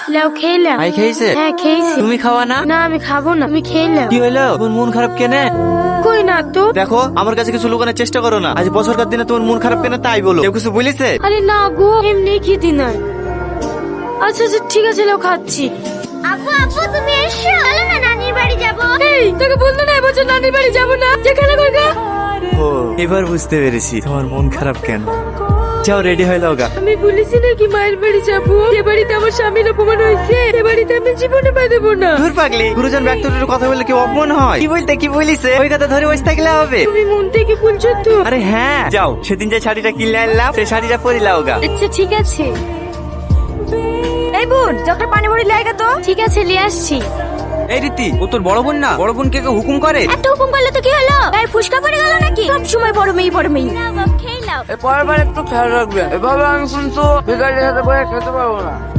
লাও খেলাম। ভাই খেয়েছে? হ্যাঁ খেয়েছি। তুমি খাওয়া না? না আমি খাবো না, আমি খেলাম। কি হলো, তোমার মন খারাপ কেনে? কই না তো। দেখো আমার কাছে কিছু লুকানোর চেষ্টা করো না। আজ বছরকার দিনে তোমার মন খারাপ কেনে তাই বলো। কেউ কিছু বলেছে? আরে না গো, এমনি খেতে নাই। আচ্ছা আচ্ছা ঠিক আছে, লাও খাচ্ছি। আপু আপু তুমি এসো, চলো না নানির বাড়ি যাবো। এই তোকে বললো না এবছর নানির বাড়ি যাবো না, যেখানে করগা। ও এবার বুঝতে পেরেছি তোমার মন খারাপ কেন। যাও রেডি হয়ে যাও গা। আমি বলেছি নাকি মায়ের বাড়ি যাবো, যে বাড়িতে আমার স্বামীর অপমান হয়েছে সে বাড়িতে আমি জীবনে পা দেবো না। দূর পাগলি, গুরুজন ব্যক্তির কথা বললে কি অপমান হয়? কি বলিছে ওই কথা ধরে বসে থাকলে হবে? তুমি মন থেকে বলছো তো? আরে হ্যাঁ, যাও সেদিন যে শাড়িটা কিনে আনলাম সেই শাড়িটা পরে লাও গা। আচ্ছা ঠিক আছে। এই বোন যখন পানি ভরি লাগা তো। ঠিক আছে নিয়ে আসছি। এই রীতি, ও তোর বড় বোন না? বড় বোনকে কেউ হুকুম করে? এত হুকুম করলে তো কি হলো? গায়ে ফুসকা পড়ে গেল নাকি? সব সময় বড় মেয়ে বড় মেয়ে। নাও বাপ খেয়ে নাও। পরের বার একটু খেয়াল রাখবে, এভাবে আমি কিন্তু বিকালে সাথে করে খেতে পারবো না।